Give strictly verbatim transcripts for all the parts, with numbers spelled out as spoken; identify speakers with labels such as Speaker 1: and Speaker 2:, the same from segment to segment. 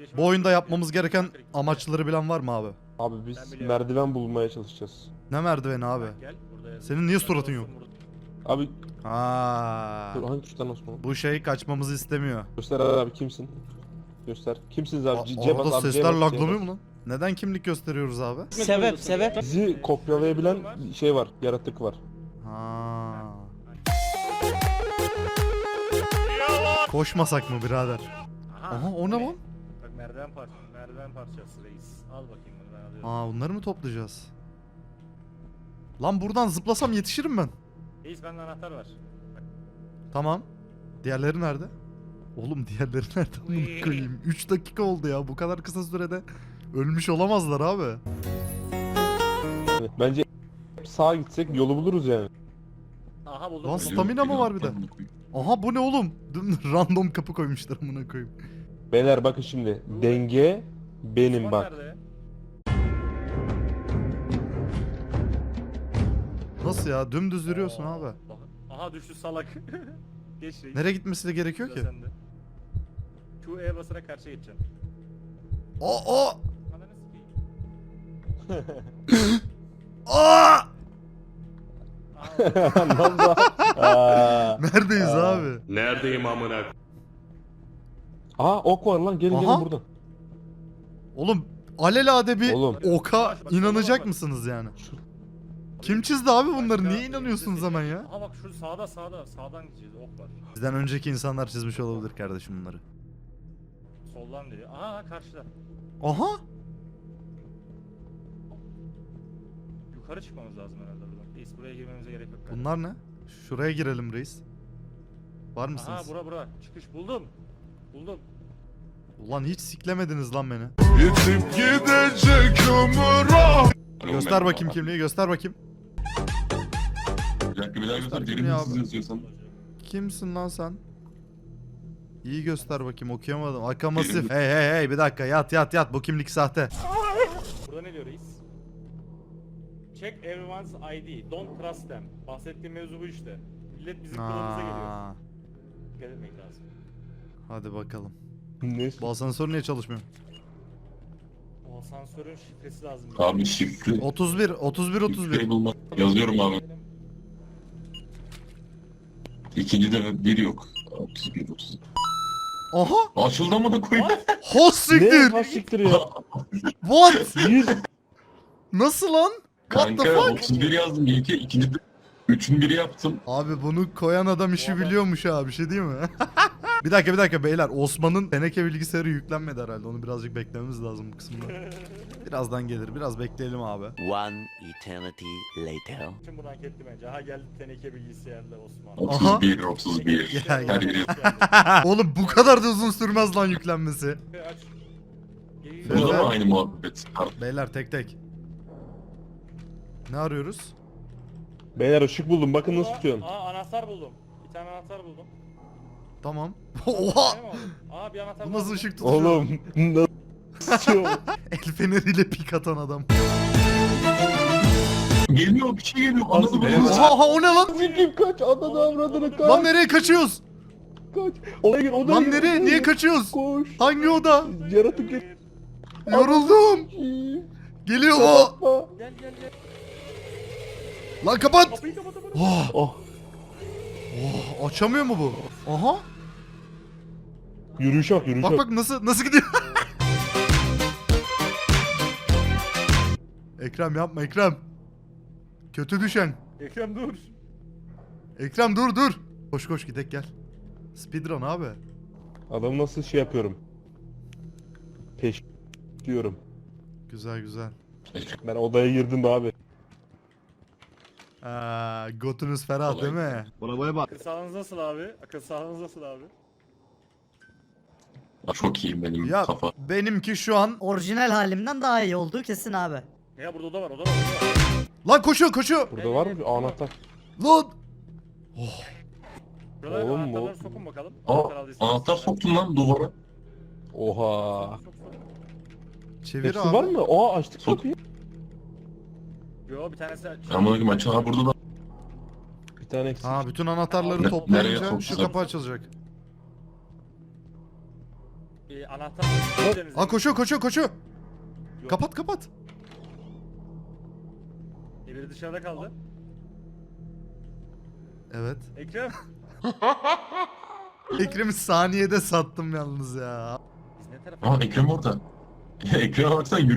Speaker 1: Bu oyunda yapmamız gereken amaçları bilen var mı abi?
Speaker 2: Abi biz merdiven bulmaya çalışacağız.
Speaker 1: Ne merdiveni abi? Senin niye suratın yok?
Speaker 2: Abi
Speaker 1: Ha.
Speaker 2: dur, hangi tuştan Osman?
Speaker 1: Bu şey kaçmamızı istemiyor.
Speaker 2: Göster abi kimsin? Göster. Kimsiniz abi?
Speaker 1: A-
Speaker 2: C- C bas
Speaker 1: Arada
Speaker 2: abi, C
Speaker 1: sesler
Speaker 2: bas, C
Speaker 1: laglanıyor
Speaker 2: bas.
Speaker 1: mu lan? Neden kimlik gösteriyoruz abi?
Speaker 3: Sebep sebep.
Speaker 2: Bizi kopyalayabilen şey var, yaratık var.
Speaker 1: Ha. Koşmasak mı birader? Aha o ne lan?
Speaker 4: Bak merdiven parçası, merdiven parçası reis. Al bakayım bunu ben alıyorum.
Speaker 1: Aa bunları mı toplayacağız? Lan buradan zıplasam yetişirim ben.
Speaker 4: Reis bende anahtar var.
Speaker 1: Tamam. Diğerleri nerede? Oğlum diğerleri nerede bunu koyayım? üç dakika oldu ya. Bu kadar kısa sürede ölmüş olamazlar abi.
Speaker 2: Bence sağa gitsek yolu buluruz yani.
Speaker 4: Aha buldum.
Speaker 1: Lan
Speaker 4: buldum.
Speaker 1: stamina mı var bir de? Aha bu ne oğlum? Dün random kapı koymuşlar amına koyayım.
Speaker 2: Beyler bakın şimdi. Denge benim
Speaker 4: Osman
Speaker 2: bak.
Speaker 4: nerede?
Speaker 1: Nasıl ya? Dümdüz yürüyorsun
Speaker 4: Oo,
Speaker 1: abi.
Speaker 4: bak. Aha düştü salak. Geç reis.
Speaker 1: Nereye gitmesi de gerekiyor
Speaker 4: Sıra
Speaker 1: ki?
Speaker 4: sende. Q E basarak karşıya geçeceksin.
Speaker 1: O o.
Speaker 4: Ananı sikeyim.
Speaker 1: Aa!
Speaker 4: Aa,
Speaker 2: Ne oldu? Aa.
Speaker 1: Neredeyiz
Speaker 2: Aa.
Speaker 1: abi?
Speaker 5: Neredeyim amına?
Speaker 2: Aha ok var lan, gelin
Speaker 1: Aha.
Speaker 2: gelin buradan.
Speaker 1: Oğlum alelade bir
Speaker 2: Oğlum.
Speaker 1: oka inanacak mısınız yani? Kim çizdi abi bunları? Niye inanıyorsunuz hemen ya?
Speaker 4: Aha bak şu sağda sağda sağdan gideceğiz ok var.
Speaker 1: Bizden önceki insanlar çizmiş olabilir kardeşim bunları.
Speaker 4: Soldan diyor. Aha karşıda.
Speaker 1: Aha!
Speaker 4: Yukarı çıkmamız lazım herhalde buradan. Reis buraya girmemize gerek yok. galiba.
Speaker 1: Bunlar ne? Şuraya girelim reis. Var
Speaker 4: Aha
Speaker 1: mısınız?
Speaker 4: bura bura. Çıkış buldum. Buldum.
Speaker 1: Ulan hiç siklemediniz lan beni.
Speaker 5: Yitip gidecek ömür ah.
Speaker 1: Göster bakayım kimliği, göster bakayım.
Speaker 5: Bir dakika bir daha göster.
Speaker 1: Göster
Speaker 5: Derin
Speaker 1: ya
Speaker 5: hırsız
Speaker 1: abi.
Speaker 5: yazıyorsan.
Speaker 1: Kimsin lan sen? İyi göster bakayım, okuyamadım. Akamasif. Hey hey hey bir dakika yat yat yat, bu kimlik sahte.
Speaker 4: Burada ne diyor reis? Check everyone's I D. Don't trust them. Bahsettiğim mevzu bu işte. Millet bizim kılığımıza geliyor.
Speaker 1: Aa,
Speaker 4: Dikkat etmek lazım.
Speaker 1: hadi bakalım.
Speaker 2: Neyse.
Speaker 1: Bu asansör niye çalışmıyor?
Speaker 4: O asansörün şifresi lazım.
Speaker 5: Abi şifre.
Speaker 1: otuz bir, otuz bir, otuz
Speaker 5: Şifreyi
Speaker 1: bir.
Speaker 5: bulmak. Yazıyorum abi. İkinci de bir yok. otuz bir otuz.
Speaker 1: Aha!
Speaker 5: Açıldı mı da koyayım?
Speaker 1: Hos
Speaker 2: Ne?
Speaker 1: siktir!
Speaker 2: Ha siktir ya.
Speaker 1: What?
Speaker 2: Bir.
Speaker 1: Nasıl lan? What the
Speaker 5: Kanka
Speaker 1: fuck?
Speaker 5: otuz bir yazdım. İlki ikinci de üçün biri yaptım.
Speaker 1: Abi bunu koyan adam işi biliyormuş ha, bir şey değil mi? Bir dakika bir dakika beyler, Osman'ın teneke bilgisayarı yüklenmedi herhalde, onu birazcık beklememiz lazım bu kısımda. Birazdan gelir, biraz bekleyelim abi.
Speaker 6: One eternity later.
Speaker 4: Şimdi bunu hak etti bence. Aha geldi teneke bilgisayarla Osman.
Speaker 5: otuz bir otuz bir.
Speaker 1: Gel,
Speaker 5: Her
Speaker 1: gel.
Speaker 5: biri.
Speaker 1: Oğlum bu kadar da uzun sürmez lan yüklenmesi.
Speaker 4: Aç. Geri-
Speaker 1: Evet.
Speaker 5: Bu da mı aynı muhabbet?
Speaker 1: Beyler tek tek. Ne arıyoruz?
Speaker 2: Beyler ışık buldum, bakın nasıl tutuyorsun.
Speaker 4: Aa anahtar buldum. Bir tane anahtar buldum.
Speaker 1: Tamam.
Speaker 4: Bir
Speaker 1: Oha!
Speaker 4: tane mi aldın? Aa bir anahtar
Speaker 1: Bu nasıl
Speaker 4: buldum.
Speaker 1: ışık tutuyor?
Speaker 2: Oğlum nasıl?
Speaker 1: El feneriyle pik atan adam.
Speaker 5: Geliyor bir şey geliyor. Anladın mı?
Speaker 1: Oha oha, o ne lan?
Speaker 2: Sikim kaç, ananı avradını kaç.
Speaker 1: Lan nereye kaçıyoruz?
Speaker 2: Kaç. Odaya gir, odaya
Speaker 1: Lan
Speaker 2: gir,
Speaker 1: nereye?
Speaker 2: odaya
Speaker 1: Niye
Speaker 2: gir.
Speaker 1: kaçıyoruz?
Speaker 2: Koş.
Speaker 1: Hangi oda?
Speaker 2: Yaratık gir.
Speaker 1: Yoruldum. Geliyor o.
Speaker 2: Kapatma.
Speaker 4: Gel gel gel.
Speaker 1: Lan kapat.
Speaker 4: Kapıyı kapat kapat.
Speaker 1: Oh,
Speaker 2: Oh.
Speaker 1: oh, açamıyor mu bu? Aha.
Speaker 2: Yürüyüşe bak, yürüyüşe
Speaker 1: Bak
Speaker 2: bak.
Speaker 1: bak nasıl nasıl gidiyor? Ekrem yapma Ekrem. Kötü düşen.
Speaker 4: Ekrem dur.
Speaker 1: Ekrem dur dur. Koş koş gidek gel. Speedrun abi.
Speaker 2: Adamı nasıl şey yapıyorum. Peş diyorum.
Speaker 1: Güzel güzel.
Speaker 2: Ben odaya girdim abi.
Speaker 1: Aa, götünüz ferah değil mi?
Speaker 4: Akıl sağlığınız nasıl abi? Akıl sağlığınız nasıl abi?
Speaker 5: Aa, çok iyiyim benim
Speaker 1: Ya
Speaker 5: kafa.
Speaker 1: benimki şu an...
Speaker 3: Orijinal halimden daha iyi olduğu kesin abi.
Speaker 4: Ya burada oda var oda var oda var.
Speaker 1: Lan koşuyor koşuyor.
Speaker 2: Burada var mı bir anahtar?
Speaker 1: Lan.
Speaker 4: Buralara
Speaker 2: Oğlum bu-
Speaker 4: anahtarları sokun bakalım.
Speaker 5: Aa,
Speaker 4: Anahtar aldıysanız.
Speaker 5: anahtar soktun lan duvara.
Speaker 2: Oha.
Speaker 4: Sok, sok.
Speaker 1: Çevir
Speaker 2: Hepsi
Speaker 1: abi.
Speaker 2: var mı? Aa açtık
Speaker 5: Sok.
Speaker 2: kapıyı.
Speaker 4: Yo bir tanesi aç.
Speaker 5: Amına koyayım aç. Ha burada da.
Speaker 2: Bir tane eksik.
Speaker 1: Ha bütün anahtarları
Speaker 5: Ne- nereye
Speaker 1: toplayınca şu
Speaker 5: sokacak?
Speaker 1: kapı açılacak.
Speaker 4: e, anahtar
Speaker 1: Aa koşuyor koşuyor koşuyor. Kapat kapat.
Speaker 4: E, biri dışarıda kaldı.
Speaker 1: Evet.
Speaker 4: Ekrem.
Speaker 1: Ekrem'i saniyede sattım yalnız ya.
Speaker 4: Biz ne tarafa?
Speaker 5: Aa Ekrem orada. Ekrem'e baksana yürü.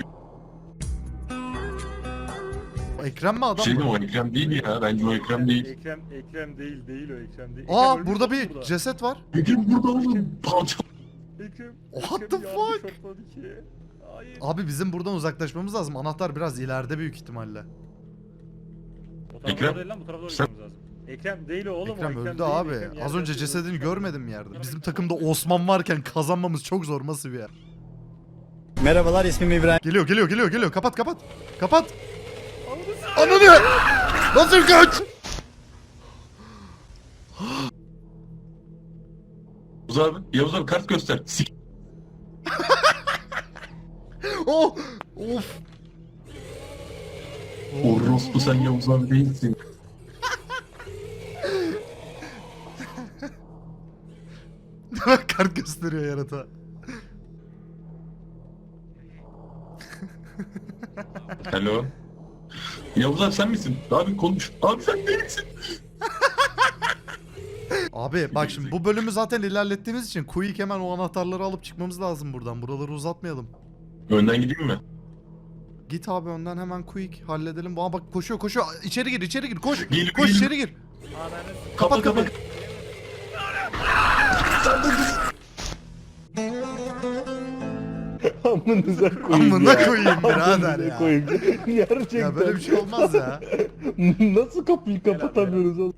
Speaker 1: Ekrem mi adam
Speaker 5: Şey
Speaker 1: mı?
Speaker 5: o Ekrem değil ya. Bence o Ekrem değil.
Speaker 4: Ekrem, Ekrem değil, değil o Ekrem değil.
Speaker 1: Aa
Speaker 4: Ekrem ölmüş
Speaker 1: burada
Speaker 4: oğlum
Speaker 1: bir
Speaker 4: burada.
Speaker 1: ceset var.
Speaker 5: Ekrem burada oğlum. Palça.
Speaker 4: Ekrem.
Speaker 1: What
Speaker 4: Ekrem
Speaker 1: the
Speaker 4: yardı
Speaker 1: fuck?
Speaker 4: şokladı ki. Hayır.
Speaker 1: Abi bizim buradan uzaklaşmamız lazım. Anahtar biraz ileride büyük ihtimalle.
Speaker 4: O tarafa
Speaker 5: Ekrem,
Speaker 4: doğru değil lan, bu tarafa doğru
Speaker 5: sen-
Speaker 4: gitmemiz lazım. Ekrem değil o oğlum o.
Speaker 1: Ekrem öldü
Speaker 4: değil,
Speaker 1: abi.
Speaker 4: Ekrem
Speaker 1: Az
Speaker 4: yerde
Speaker 1: önce
Speaker 4: yatıyor.
Speaker 1: cesedini görmedim yerde. Bizim takımda Osman varken kazanmamız çok zor. Nasıl bir yer?
Speaker 7: Merhabalar, ismim İbrahim.
Speaker 1: Geliyor geliyor geliyor geliyor. Kapat kapat. Kapat. Ananı! Nasıl kaç?
Speaker 5: Yavuz abi. Yavuz abi kart göster. Sik.
Speaker 1: Oh! Of!
Speaker 5: Orospu sen Yavuz abi değilsin.
Speaker 1: Kart gösteriyor yarata.
Speaker 5: Hello. Yavuz abi sen misin? Abi konuş. Abi sen değilsin.
Speaker 1: Abi bak şimdi bu bölümü zaten ilerlettiğimiz için Quick hemen o anahtarları alıp çıkmamız lazım buradan. Buraları uzatmayalım.
Speaker 5: Önden gideyim mi?
Speaker 1: Git abi önden hemen Quick halledelim. Aa bak koşuyor koşuyor. İçeri gir içeri gir. Koş.
Speaker 5: Geliyor,
Speaker 1: Koş
Speaker 5: geliyor.
Speaker 1: içeri gir.
Speaker 4: Ananı
Speaker 1: Kapat kapat.
Speaker 2: Amınıza koyayım
Speaker 1: Amına
Speaker 2: ya.
Speaker 1: koyayım birader
Speaker 2: Amınıza
Speaker 1: ya.
Speaker 2: koyayım. Gerçekten.
Speaker 1: Ya böyle bir şey olmaz ya.
Speaker 2: Nasıl kapıyı kapatamıyoruz oğlum?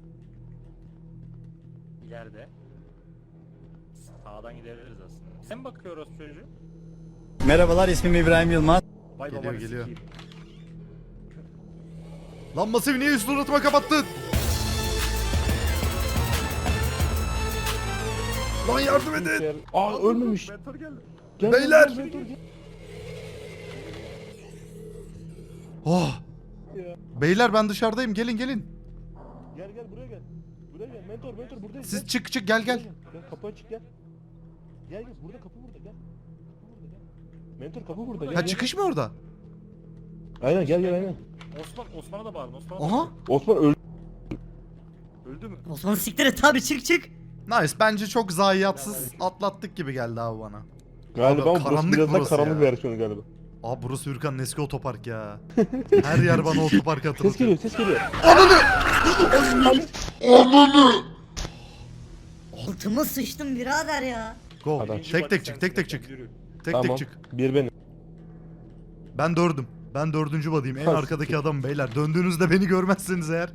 Speaker 4: ileride. Sağdan gidebiliriz aslında. Sen bakıyoruz çocuğu.
Speaker 7: Merhabalar, ismim İbrahim Yılmaz.
Speaker 4: Vay
Speaker 1: Geliyor,
Speaker 4: babanı
Speaker 1: geliyor.
Speaker 4: sikeyim.
Speaker 1: Lan masayı niye üst suratıma kapattın? Lan yardım edin.
Speaker 2: Aa ölmemiş.
Speaker 4: Mentor geldi.
Speaker 2: Gel,
Speaker 1: Beyler!
Speaker 2: gel, gel, gel, gel.
Speaker 1: Oh.
Speaker 2: Ya.
Speaker 1: Beyler ben dışarıdayım. Gelin gelin.
Speaker 2: Gel gel buraya gel. Buraya gel. Mentor mentor buradayız.
Speaker 1: Siz
Speaker 2: gel.
Speaker 1: çık çık gel gel.
Speaker 2: Gel kapı açık gel. Gel gel burada kapı burada gel. Kapı burada gel. Mentor kapı burada gel.
Speaker 1: Ha
Speaker 2: gel.
Speaker 1: çıkış mı orada?
Speaker 2: Aynen gel gel aynen.
Speaker 4: Osman, Osman'a da bağırın. Osman'a da
Speaker 1: Aha.
Speaker 4: bağırın.
Speaker 2: Osman öldü.
Speaker 4: Öldü mü?
Speaker 3: Osman siktir et abi, çık çık.
Speaker 1: Nice. Bence çok zayiatsız atlattık gibi geldi abi bana.
Speaker 2: Galiba
Speaker 1: Abi,
Speaker 2: ama burası
Speaker 1: karanlık
Speaker 2: biraz daha
Speaker 1: burası
Speaker 2: karanlık
Speaker 1: ya.
Speaker 2: versiyonu galiba.
Speaker 1: Abi burası Hürkan'ın eski otopark ya. Her yer bana otopark
Speaker 2: Ses
Speaker 1: hatırlatıyor.
Speaker 2: geliyor ses geliyor.
Speaker 3: Altıma sıçtım birader ya.
Speaker 1: Go.
Speaker 2: Adam.
Speaker 4: Birinci
Speaker 1: Tek
Speaker 4: body
Speaker 1: tek çık tek tek
Speaker 4: sensin,
Speaker 1: çık.
Speaker 4: yürü.
Speaker 1: Tek
Speaker 2: Tamam.
Speaker 1: tek çık.
Speaker 2: Bir benim.
Speaker 1: Ben dördüm. Ben dördüncü badiyim. En
Speaker 2: Ha,
Speaker 1: arkadaki adam beyler. Döndüğünüzde beni görmezseniz eğer.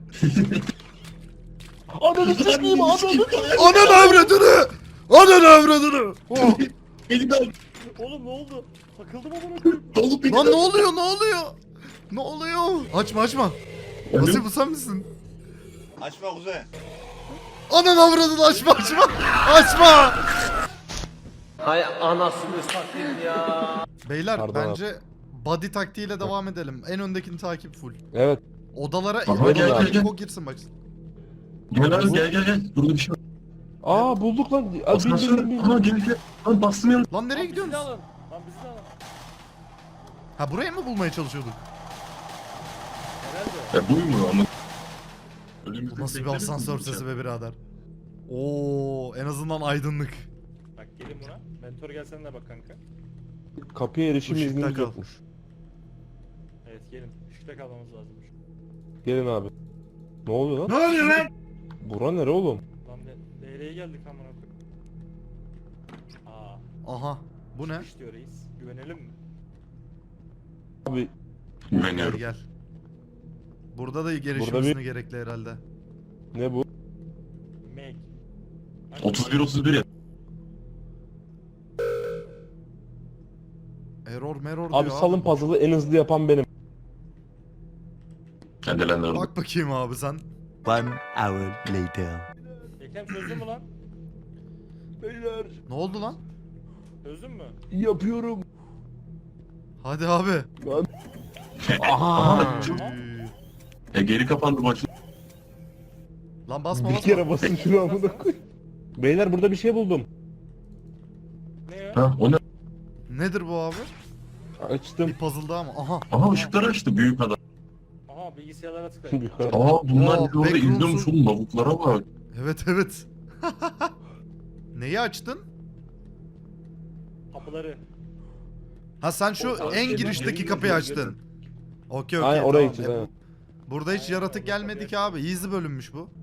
Speaker 2: Ananı sikeyim ananı.
Speaker 1: Ananı avradını! Ananı avradını! Oh.
Speaker 5: Elimden.
Speaker 4: Oğlum ne oldu? Takıldım amına koyayım.
Speaker 5: Dolup
Speaker 1: Lan ne oluyor ne oluyor? Ne oluyor? Açma açma. Nasıl bu sen misin?
Speaker 7: Açma Kuzey.
Speaker 1: Ananı avradını açma açma. Açma!
Speaker 8: Hay anasını satayım ya.
Speaker 1: Beyler
Speaker 2: Pardon
Speaker 1: bence body taktiğiyle devam edelim. En öndekini takip full.
Speaker 2: Evet.
Speaker 1: Odalara
Speaker 5: Aha,
Speaker 2: gel,
Speaker 1: odalara
Speaker 5: gel, gel.
Speaker 1: Ko girsin bak.
Speaker 5: Gel abi gel gel gel. Burada bir şey var.
Speaker 2: Aa bulduk lan. Aa, bin, bin,
Speaker 5: Asansör.
Speaker 2: bin, bin.
Speaker 5: Aha gel gel. Lan bastım yanlış.
Speaker 1: Lan nereye
Speaker 4: Lan bizi de
Speaker 1: gidiyorsunuz?
Speaker 4: alın. Lan bizi de alın.
Speaker 1: Ha burayı mı bulmaya çalışıyorduk?
Speaker 4: Herhalde.
Speaker 5: Ya buyum ama.
Speaker 1: Bu nasıl bir asansör sesi be birader? Oo, en azından aydınlık.
Speaker 4: Bak gelin buna. Mentor gelsene de bak kanka.
Speaker 2: Kapıya erişim
Speaker 1: Işıkta
Speaker 2: iznimiz
Speaker 1: kal.
Speaker 2: yokmuş.
Speaker 4: Evet gelin. Işıkta kalmamız lazımmış.
Speaker 2: Gelin abi. Ne oluyor lan?
Speaker 1: Ne oluyor lan?
Speaker 2: Bura nere oğlum?
Speaker 4: Lan ne, nereye geldik amına koyayım? Aa.
Speaker 1: Aha, bu ne?
Speaker 4: Çıkış diyor reis. Güvenelim mi?
Speaker 2: Abi
Speaker 1: Gel
Speaker 5: Güveniyorum.
Speaker 1: gel. Burada da gelişim
Speaker 2: Burada bir-
Speaker 1: izni gerekli herhalde.
Speaker 2: ne bu?
Speaker 4: Meg.
Speaker 5: otuz bir otuz bir ya.
Speaker 1: Error meror
Speaker 2: Abi
Speaker 1: diyor
Speaker 2: salın puzzle'ı en hızlı yapan benim.
Speaker 5: Kendilerine orada.
Speaker 1: Bak bakayım abi sen.
Speaker 6: One hour later.
Speaker 4: Ekrem çözdün mü lan?
Speaker 2: Beyler
Speaker 1: Ne oldu lan?
Speaker 4: Çözdün mü?
Speaker 2: yapıyorum.
Speaker 1: Hadi abi.
Speaker 2: Lan
Speaker 5: Aha.
Speaker 1: Üy.
Speaker 5: E geri kapandı maç.
Speaker 1: Lan basma
Speaker 2: bir
Speaker 1: basma.
Speaker 2: kere basın şunu amına koy. Beyler burada bir şey buldum.
Speaker 4: Ne o? açılmıyor.
Speaker 5: Ha o ne?
Speaker 1: Nedir bu abi?
Speaker 2: Açtım.
Speaker 1: Bir puzzle daha mı? Aha.
Speaker 5: Aha ışıkları açtı büyük adam.
Speaker 4: Aha bilgisayarlara tıklayın.
Speaker 5: Aa bunlar
Speaker 1: Aa,
Speaker 5: bizi orada
Speaker 1: backrooms'u-
Speaker 5: izliyormuş oğlum, lavuklara bak.
Speaker 1: Evet evet. Neyi açtın?
Speaker 4: Kapıları.
Speaker 1: Ha sen şu
Speaker 4: O-
Speaker 1: en
Speaker 4: o-
Speaker 1: girişteki
Speaker 4: o-
Speaker 1: kapıyı
Speaker 4: o-
Speaker 1: açtın. Okey okey.
Speaker 2: Aynen oraya
Speaker 1: tamam.
Speaker 2: gideceğiz
Speaker 1: E,
Speaker 2: aynen.
Speaker 1: bu- Burada hiç yaratık gelmedi ki abi. Easy bölünmüş bu.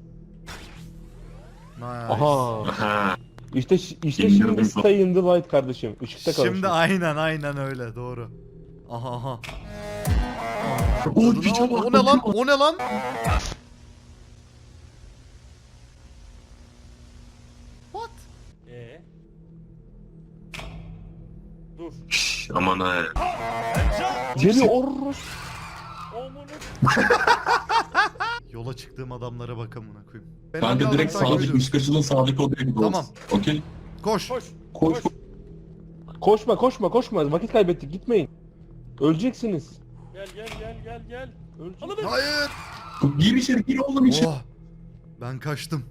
Speaker 1: Nice.
Speaker 2: Aha.
Speaker 5: Aha.
Speaker 2: İşte işte
Speaker 5: İndirdim
Speaker 2: şimdi
Speaker 5: son.
Speaker 2: stay in the light kardeşim. Işıkta kalın.
Speaker 1: Şimdi aynen aynen öyle doğru. Aha aha.
Speaker 5: O
Speaker 1: O,
Speaker 5: bir
Speaker 1: o, o ne lan? O ne lan? What?
Speaker 4: Ee. Dur.
Speaker 5: Şşş, aman ha.
Speaker 2: Geliyor orros.
Speaker 4: Omunu.
Speaker 1: Yola çıktığım adamlara bak amına koyayım. Ben
Speaker 5: Kanka
Speaker 1: hangi
Speaker 5: direkt
Speaker 1: adamı takip
Speaker 5: sağdaki
Speaker 1: ediyorum?
Speaker 5: üst kaçının sağdaki odaya gidiyoruz.
Speaker 1: Tamam.
Speaker 5: Okey.
Speaker 1: Koş.
Speaker 4: Koş.
Speaker 5: Koş.
Speaker 4: Koş.
Speaker 2: Koşma koşma koşma. Vakit kaybettik gitmeyin. Öleceksiniz.
Speaker 4: Gel gel gel gel gel.
Speaker 2: Ölecek.
Speaker 4: Alın.
Speaker 1: Hayır.
Speaker 5: Gir içeri, gir oğlum içeri.
Speaker 1: Oh. Ben kaçtım.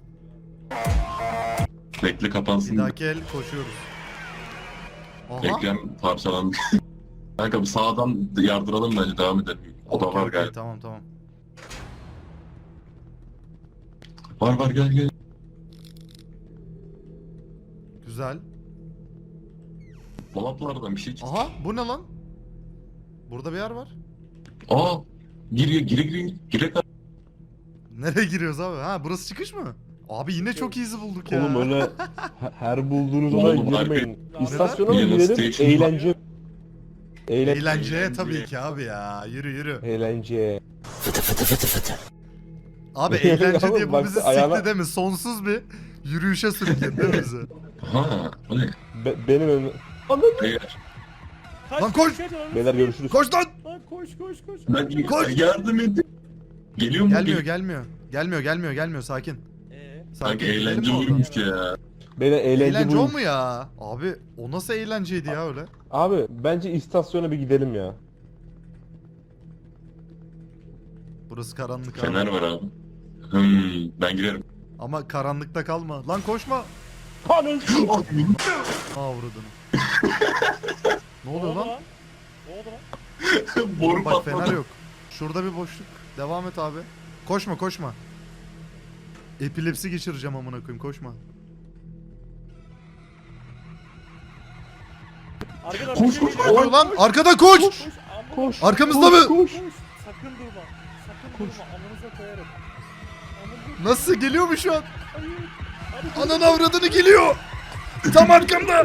Speaker 5: Bekle
Speaker 1: Bir
Speaker 5: kapansın.
Speaker 1: dahaki el koşuyoruz. Aha.
Speaker 5: Ekrem parçalandı. Kanka bu sağdan yardıralım bence, devam edelim. O da
Speaker 1: Okey,
Speaker 5: var
Speaker 1: okey,
Speaker 5: galiba.
Speaker 1: Tamam tamam.
Speaker 5: Var var gel gel.
Speaker 1: Güzel.
Speaker 5: Dolaplardan bir şey çıktı.
Speaker 1: Aha bu ne lan? Burada bir yer var.
Speaker 5: Aa. Gir gire gire gire.
Speaker 1: Nereye giriyoruz abi? Ha burası çıkış mı? Abi yine çok easy bulduk ya.
Speaker 2: Oğlum öyle he- her bulduğunuz
Speaker 5: Oğlum,
Speaker 2: olaya girmeyin. İstasyona mı
Speaker 5: Neden?
Speaker 2: girelim?
Speaker 5: Station
Speaker 2: Eğlence. Eğlen
Speaker 1: Eğlenceye tabii ki abi ya. Yürü yürü.
Speaker 2: Eğlence.
Speaker 1: Abi eğlence
Speaker 2: Oğlum,
Speaker 1: diye bu
Speaker 2: bak,
Speaker 1: bizi
Speaker 2: ayağına-
Speaker 1: sikti değil mi? Sonsuz bir yürüyüşe sürükledi değil mi bizi?
Speaker 5: Ha. O ne?
Speaker 2: Be- benim önüm.
Speaker 5: Beyler.
Speaker 4: Kaç,
Speaker 1: Lan koş!
Speaker 4: kaç, ananı
Speaker 2: Beyler
Speaker 4: sikeyim.
Speaker 2: görüşürüz.
Speaker 1: Koş lan!
Speaker 4: Lan koş koş koş.
Speaker 5: Ben
Speaker 1: Koş!
Speaker 5: yardım edin. Geliyor mu?
Speaker 1: Gelmiyor
Speaker 5: Gel-
Speaker 1: gelmiyor. Gelmiyor gelmiyor gelmiyor sakin.
Speaker 4: Ee,
Speaker 1: Sakin.
Speaker 5: Kanka
Speaker 1: gidelim
Speaker 5: eğlence
Speaker 1: mi oradan?
Speaker 5: oyunmuş ya.
Speaker 2: Beyler eğlence,
Speaker 1: Eğlence o
Speaker 2: buymuş.
Speaker 1: mu ya? Abi o nasıl eğlenceydi ya öyle?
Speaker 2: Abi bence istasyona bir gidelim ya.
Speaker 1: Burası karanlık abi.
Speaker 5: Fener var abi. Hmm, ben girerim.
Speaker 1: Ama karanlıkta kalma. Lan koşma.
Speaker 2: Anıl.
Speaker 1: Aa vurdun. Ne oluyor lan?
Speaker 4: Ne oldu lan?
Speaker 5: Boru
Speaker 1: Bak
Speaker 5: patladı.
Speaker 1: fener yok. Şurada bir boşluk. Devam et abi. Koşma koşma. Epilepsi geçireceğim amına koyayım koşma.
Speaker 4: Arkada
Speaker 5: Koş,
Speaker 4: bir şey
Speaker 5: koş,
Speaker 4: geliyor.
Speaker 1: Ne oluyor lan? Arkada koş!
Speaker 4: Koş. amına-
Speaker 2: Koş.
Speaker 1: Arkamızda
Speaker 2: koş,
Speaker 1: mı?
Speaker 2: Koş.
Speaker 4: Koş. Sakın durma. Sakın durma. Amınıza koyarım. Amınıza
Speaker 1: Nasıl geliyor mu şu an?
Speaker 4: hayır. Hadi
Speaker 1: Anan avradını geliyor. Tam arkamda.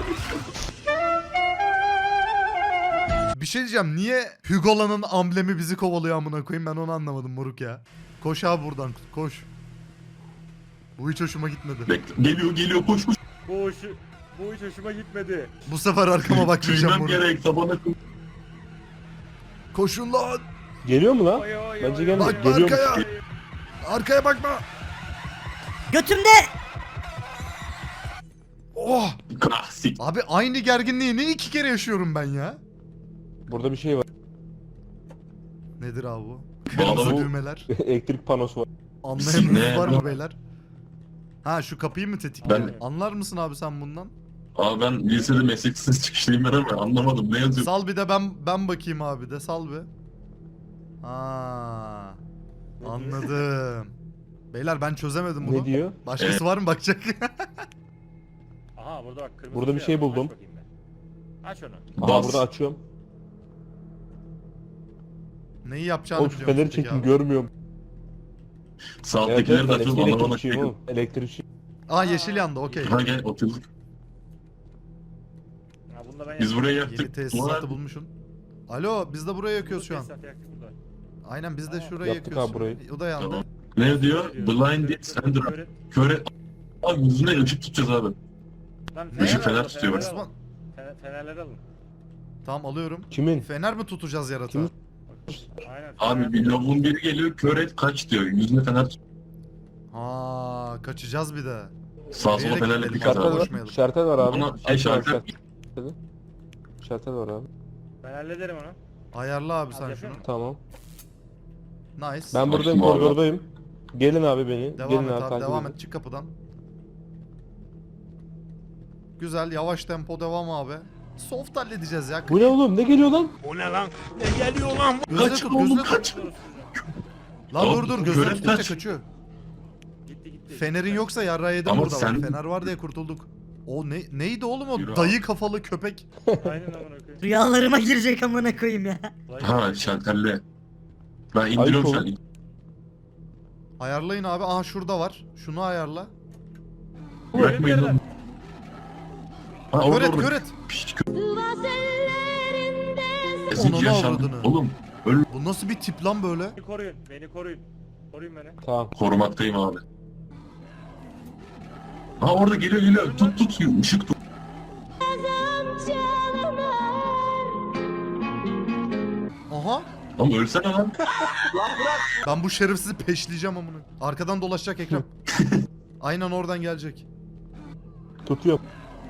Speaker 1: Bir şey diyeceğim. Niye Hugola'nın amblemi bizi kovalıyor amına koyayım? Ben onu anlamadım moruk ya. Koş abi buradan. Koş. Bu hiç hoşuma gitmedi.
Speaker 5: Bekle. Geliyor geliyor koş koş.
Speaker 4: Bu iş, bu hiç hoşuma gitmedi.
Speaker 1: Bu sefer arkama bakmayacağım
Speaker 5: Tüymem
Speaker 1: moruk.
Speaker 5: gerek tabana.
Speaker 1: Koşun lan.
Speaker 2: Geliyor mu lan?
Speaker 4: Oy, oy,
Speaker 2: Bence
Speaker 4: oy,
Speaker 2: gelmedi.
Speaker 1: Bakma
Speaker 2: Geliyormuş.
Speaker 1: arkaya. Arkaya bakma.
Speaker 3: Götümde.
Speaker 1: Oh.
Speaker 5: Klasik.
Speaker 1: Abi aynı gerginliği ne iki kere yaşıyorum ben ya?
Speaker 2: Burada bir şey var.
Speaker 1: Nedir abi bu?
Speaker 5: Bu
Speaker 1: Kırmızı
Speaker 5: adamı-
Speaker 1: düğmeler.
Speaker 2: Elektrik panosu var.
Speaker 1: Anlayanınız
Speaker 5: Ne?
Speaker 1: var mı beyler? Ha şu kapıyı mı tetikliyor?
Speaker 5: Ben-
Speaker 1: Anlar mısın abi sen bundan?
Speaker 5: Abi ben lisede mesleksiz çıkışlıyım ben ama anlamadım ne yazıyor.
Speaker 1: Sal bir de ben ben bakayım abi de sal bir. Ha. Anladım. Beyler ben çözemedim bunu.
Speaker 2: Ne diyor?
Speaker 1: Başkası var mı bakacak?
Speaker 4: Aha burada bak kırmızı
Speaker 2: Burada bir şey
Speaker 4: var.
Speaker 2: buldum.
Speaker 4: Aç bakayım ben. Aç onu.
Speaker 2: Aa
Speaker 5: Bas.
Speaker 2: burada açıyorum.
Speaker 1: Neyi yapacağını
Speaker 2: Oğlum şu
Speaker 1: biliyorum.
Speaker 2: feneri
Speaker 1: peki
Speaker 2: çekin
Speaker 1: abi.
Speaker 2: görmüyorum. Evet,
Speaker 5: Sağdakileri
Speaker 2: evet,
Speaker 5: de açıyoruz
Speaker 2: elektrik-
Speaker 5: anlamadım.
Speaker 2: elektrikçiyim oğlum. Elektrikçi.
Speaker 1: Aa yeşil yandı okey.
Speaker 5: Ha gel oturduk.
Speaker 4: Ha, bunu da ben
Speaker 5: Biz buraya
Speaker 1: Yeni
Speaker 5: yaktık.
Speaker 1: tesisatı
Speaker 5: Duvar-
Speaker 1: bulmuşsun. Alo biz de buraya yakıyoruz şu an.
Speaker 4: Tesisat yaktık burada.
Speaker 1: Aynen biz de
Speaker 4: Aa,
Speaker 1: şurayı
Speaker 2: yaptık
Speaker 1: yakıyoruz.
Speaker 2: abi burayı.
Speaker 1: O da yandı.
Speaker 5: Tamam. Ne diyor? Blinded Sender.
Speaker 4: Köre-
Speaker 5: Köre. Abi yüzüne ışık tutacağız abi.
Speaker 4: Lan
Speaker 1: Ne?
Speaker 5: Işık fener
Speaker 4: alın,
Speaker 5: tutuyor bak.
Speaker 4: fenerleri
Speaker 1: Osman.
Speaker 4: alın. Fener- Fenerleri alın.
Speaker 1: Tamam alıyorum.
Speaker 2: Kimin?
Speaker 1: Fener mi tutacağız yaratığa?
Speaker 2: Kim?
Speaker 4: Aynen.
Speaker 5: Abi
Speaker 4: fener-
Speaker 5: bir lavuğun biri geliyor kör et kaç diyor. Yüzüne fener tut.
Speaker 1: Ha kaçacağız bir de.
Speaker 5: Sağa sola
Speaker 1: Nereye
Speaker 5: fenerle
Speaker 1: gidelim?
Speaker 5: dikkat
Speaker 2: Şartel
Speaker 5: abi.
Speaker 2: var.
Speaker 1: Koşmayalım.
Speaker 2: Şartel var abi.
Speaker 5: Ona şey
Speaker 2: Açın abi
Speaker 5: şartel.
Speaker 2: şarteli. Şartel var abi.
Speaker 4: Ben hallederim onu.
Speaker 1: Ayarla abi
Speaker 4: Hadi
Speaker 1: sen
Speaker 4: yapıyorum.
Speaker 1: şunu.
Speaker 2: Tamam.
Speaker 1: Nice.
Speaker 2: Ben buradayım,
Speaker 5: Açtım abi.
Speaker 2: koridordayım. Gelin abi beni.
Speaker 1: Devam
Speaker 2: Gelin
Speaker 1: et abi,
Speaker 2: takip
Speaker 1: devam
Speaker 2: edin.
Speaker 1: et çık kapıdan. Güzel yavaş tempo devam abi. Soft halledeceğiz ya.
Speaker 2: Bu ne oğlum? Ne geliyor lan?
Speaker 1: Gözüne
Speaker 5: Kaç
Speaker 1: tut
Speaker 5: oğlum
Speaker 1: gözüne tut.
Speaker 5: kaç.
Speaker 1: Lan dur dur gözüne
Speaker 5: Görev
Speaker 1: tutunca
Speaker 5: kaç.
Speaker 1: kaçıyor.
Speaker 4: Gitti gitti.
Speaker 1: Fenerin yoksa yarrağı yedim
Speaker 5: Ama
Speaker 1: burada
Speaker 5: sen-
Speaker 1: bak. Fener var diye kurtulduk. O ne neydi oğlum o
Speaker 5: Yürü abi.
Speaker 1: dayı kafalı köpek.
Speaker 4: Aynen amına koyayım.
Speaker 3: Rüyalarıma girecek amına koyayım ya.
Speaker 5: Ha şalterli. Ben indiriyorum şu an.
Speaker 1: Ayarlayın abi. Aha şurada var. Şunu ayarla.
Speaker 5: Bırakmayın lan. Ha
Speaker 1: Kör
Speaker 5: orada
Speaker 1: et
Speaker 5: orada.
Speaker 1: kör et.
Speaker 5: Piş, kö-
Speaker 1: Onunu
Speaker 5: Eski yaşam.
Speaker 1: avradını.
Speaker 5: Oğlum öl
Speaker 1: Bu nasıl bir tip lan böyle?
Speaker 4: Beni koruyun. Beni koruyun. Koruyun beni.
Speaker 2: Tamam.
Speaker 5: korumaktayım abi. Ha orada geliyor geliyor. Tut tut ışık tut.
Speaker 1: Aha.
Speaker 5: Ama ölsene lan.
Speaker 1: Ben bu şerefsizi peşleyeceğim amına. Arkadan dolaşacak Ekrem. Aynen oradan gelecek.
Speaker 2: Tutuyorum.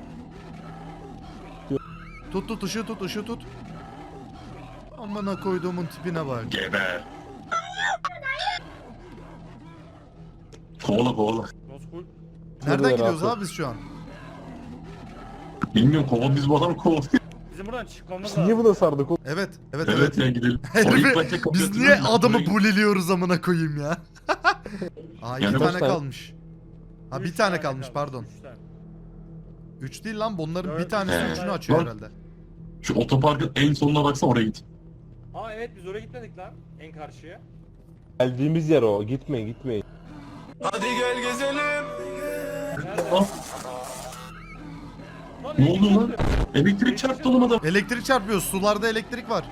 Speaker 1: Tut tut ışığı tut ışığı tut. Amına koyduğumun tipine bak.
Speaker 5: Geber. Kovala kovala.
Speaker 4: Noskul.
Speaker 1: Nereden
Speaker 2: Şurada
Speaker 1: gidiyoruz
Speaker 2: rahat ol.
Speaker 1: abi biz şu an?
Speaker 5: Bilmiyorum kovala biz bu adamı kovalıyoruz.
Speaker 4: Bizim buradan çıkmamız
Speaker 2: Biz
Speaker 4: lazım.
Speaker 2: niye buna sardık oğlum?
Speaker 1: Evet evet
Speaker 5: Evet
Speaker 1: evet.
Speaker 5: ya gidelim. O
Speaker 1: Herifi-
Speaker 5: ilk başta kapıyı
Speaker 1: Biz niye
Speaker 5: hatırlıyor musun?
Speaker 1: adamı
Speaker 5: Buraya-
Speaker 1: buliliyoruz amına koyayım ya? Aa iki
Speaker 5: Yani
Speaker 1: tane
Speaker 2: boş ver.
Speaker 1: kalmış. Ha bir
Speaker 4: Üç
Speaker 1: tane kalmış
Speaker 4: kalmış,
Speaker 1: pardon.
Speaker 4: üç tane.
Speaker 1: Üç değil lan bunların bir
Speaker 4: Dört
Speaker 1: tanesi
Speaker 5: tane.
Speaker 1: üçünü açıyor
Speaker 5: Bak.
Speaker 1: herhalde.
Speaker 5: Şu otoparkın en sonuna baksana oraya git.
Speaker 4: Aa evet biz oraya gitmedik lan. En karşıya.
Speaker 2: Geldiğimiz yer o. Gitmeyin gitmeyin.
Speaker 4: Nerede?
Speaker 5: Ah,
Speaker 4: Lan
Speaker 5: ne oldu lan?
Speaker 4: elektrik
Speaker 5: Elektrik çarptı oğlum adam.
Speaker 1: Elektrik çarpıyor. Sularda elektrik var.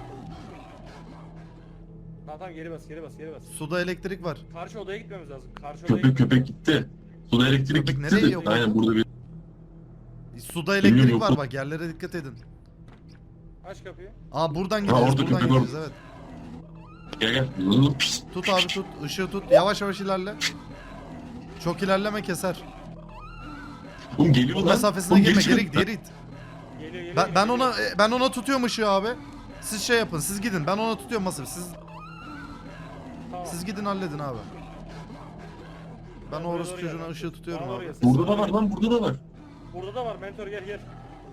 Speaker 4: Tamam tamam geri bas geri bas geri bas.
Speaker 1: Suda elektrik var.
Speaker 4: Karşı odaya gitmemiz lazım. Karşı odaya
Speaker 5: Köpek
Speaker 4: gitmemiz
Speaker 5: köpek gitti. Suda elektrik
Speaker 1: Köpek
Speaker 5: gitti
Speaker 1: nereye
Speaker 5: de.
Speaker 1: yok?
Speaker 5: Aynen burada bir.
Speaker 1: Suda
Speaker 5: Bilmiyorum,
Speaker 1: elektrik
Speaker 5: yok
Speaker 1: var
Speaker 5: mu?
Speaker 1: bak yerlere dikkat edin.
Speaker 4: lazım. Aç kapıyı.
Speaker 1: Aa buradan
Speaker 5: Ha,
Speaker 1: gideceğiz
Speaker 5: orada
Speaker 1: buradan
Speaker 5: köpek
Speaker 1: gideceğiz evet.
Speaker 5: Gel gel. Zıp, pis.
Speaker 1: Tut abi tut ışığı tut yavaş yavaş ilerle. Çok ilerleme keser.
Speaker 5: Oğlum geliyor
Speaker 1: O
Speaker 5: lan.
Speaker 1: mesafesine
Speaker 5: Oğlum
Speaker 1: girme
Speaker 5: çıkıyor.
Speaker 1: geri git geri git.
Speaker 4: Geliyor geliyor.
Speaker 1: Ben, ben
Speaker 4: geliyor.
Speaker 1: ona e, ben ona tutuyorum ışığı abi. Siz şey yapın siz gidin ben ona tutuyorum masif siz
Speaker 4: Tamam.
Speaker 1: siz gidin halledin abi. Ben
Speaker 4: Ben
Speaker 1: o orası
Speaker 4: oraya
Speaker 1: çocuğuna
Speaker 4: doğru
Speaker 1: ışığı tutuyorum
Speaker 4: Bana
Speaker 1: abi.
Speaker 4: oraya ses
Speaker 5: Burada da
Speaker 4: ver.
Speaker 5: var lan burada da var.
Speaker 4: Burada da var mentor gel gel.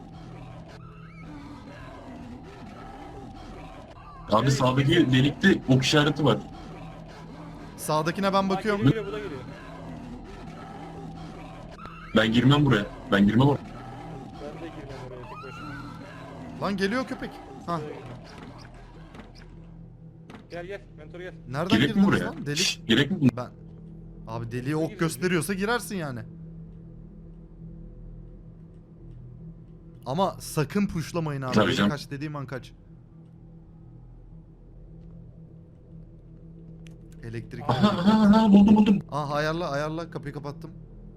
Speaker 5: Abi
Speaker 4: Evet,
Speaker 5: sağdaki
Speaker 4: evet.
Speaker 5: delikte ok işareti var.
Speaker 1: Sağdakine ben
Speaker 4: Bak,
Speaker 1: bakıyorum.
Speaker 4: Geliyor, geliyor, bu da geliyor.
Speaker 5: Ben girmem buraya. Ben girmem oraya.
Speaker 4: Ben de girmem oraya tek başıma.
Speaker 1: Lan geliyor köpek. Ha
Speaker 4: Gel gel mentor gel.
Speaker 1: nereden
Speaker 5: Gerek mi
Speaker 1: girdiniz
Speaker 5: buraya?
Speaker 1: lan? Delik.
Speaker 5: Şşş, gerek mi?
Speaker 1: Ben abi deliğe ok gösteriyorsa girersin yani. Ama sakın puşlamayın abi.
Speaker 5: Tabii
Speaker 1: Benim
Speaker 5: canım.
Speaker 1: kaç dediğim an kaç. Elektrik.
Speaker 5: Aha aha aha buldum buldum.
Speaker 1: Ah ayarla ayarla kapıyı kapattım.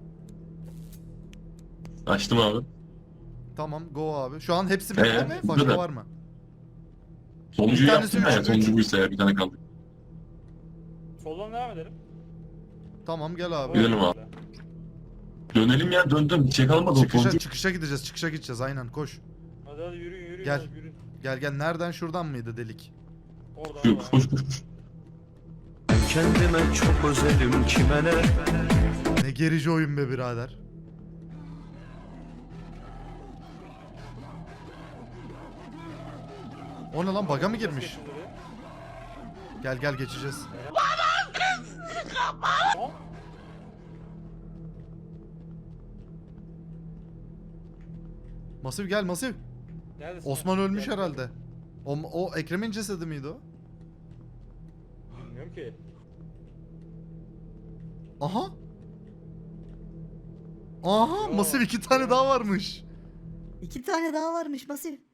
Speaker 5: Açtım abi.
Speaker 1: Tamam go abi. Şu an hepsi bitti
Speaker 5: Ee,
Speaker 1: mi?
Speaker 5: burada
Speaker 1: Başka
Speaker 5: da.
Speaker 1: var mı?
Speaker 5: Sonuncuyu
Speaker 1: Bir tanesi
Speaker 5: yaptım ya.
Speaker 1: üç,
Speaker 5: Sonuncu
Speaker 1: üç.
Speaker 5: buysa ya bir tane kaldı.
Speaker 4: Soldan devam edelim.
Speaker 1: Tamam gel abi.
Speaker 5: Gidelim abi. Dönelim ya döndüm. Hiç yakalamadım
Speaker 1: Çıkışa,
Speaker 5: sonuncu.
Speaker 1: çıkışa gideceğiz. Çıkışa gideceğiz aynen koş.
Speaker 4: Hadi hadi yürüyün yürüyün.
Speaker 1: Gel.
Speaker 4: hadi, yürüyün.
Speaker 1: Gel gel nereden şuradan mıydı delik?
Speaker 4: Oradan
Speaker 5: Koş
Speaker 4: oradan.
Speaker 5: koş koş. koş.
Speaker 6: Kendime çok özelim kime ne?
Speaker 1: Ne gerici oyun be birader. O ne lan baga mı girmiş?
Speaker 4: Geçin oraya.
Speaker 1: Gel gel geçeceğiz.
Speaker 4: Tamam.
Speaker 1: Masif gel Masif.
Speaker 4: Neredesin?
Speaker 1: Osman ölmüş
Speaker 4: Gel.
Speaker 1: herhalde. O, o Ekrem'in cesedi miydi o?
Speaker 4: Bilmiyorum ki.
Speaker 1: Aha. Aha
Speaker 4: Yo.
Speaker 1: Masif iki tane daha varmış.
Speaker 3: İki tane daha varmış Masif.